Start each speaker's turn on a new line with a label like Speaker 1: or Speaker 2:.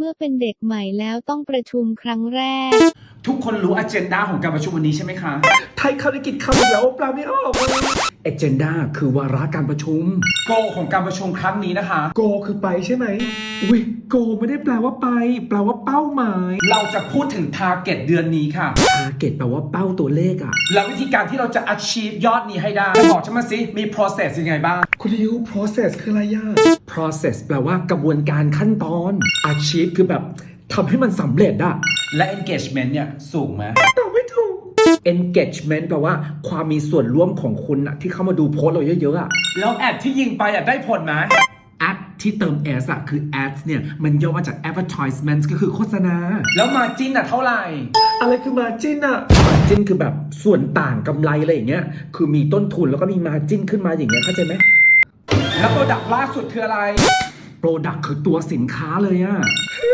Speaker 1: มื่อเป็นเด็กใหม่แล้วต้องประชุมครั้งแรก
Speaker 2: ทุกคนรู้ agenda ของการประชุมวันนี้ใช่ไหมคะ
Speaker 3: ไทยเข้าได้กินคำแล้วปลาไม่ออกเลย agenda คือวาระการประชุม
Speaker 2: goal ของการประชุมครั้งนี้นะคะ
Speaker 3: go คือไปใช่ไหมอุ้ย go ไม่ได้แปลว่าไปแปลว่าเป้าหมาย
Speaker 2: เราจะพูดถึง target เดือนนี้ค่ะ
Speaker 3: target แปลว่าเป้าตัวเลขอะ
Speaker 2: แล้ววิธีการที่เราจะ achieve ยอดนี้ให้ได้บอกฉันมาสิมี process ยังไงบ้าง
Speaker 3: คุณริว process คืออะไรย่า process แปลว่ากระบวนการขั้นตอน achieve คือแบบทำให้มันสำเร็จอะ
Speaker 2: และ engagement เนี่ยสูงไหม
Speaker 3: ตอบไม่ถูก engagement แปลว่าความมีส่วนร่วมของคุณอะที่เข้ามาดูโพสต์เราเยอะๆอะ
Speaker 2: แล้วแอดที่ยิงไปได้ผลไหม
Speaker 3: ad ที่เติม s อะคือ ads เนี่ยมันย่อมาจาก advertisement ก็คือโฆษณา
Speaker 2: แล้ว margin เท่าไหร่
Speaker 3: อะไรคือ margin อะ margin คือแบบส่วนต่างกำไรอะไรอย่างเงี้ยคือมีต้นทุนแล้วก็มี margin ขึ้นมาอย่างเงี้ยเข้าใจไหม
Speaker 2: แล้ว product ล่าสุดคืออะไร
Speaker 3: product คือตัวสินค้าเลยอะ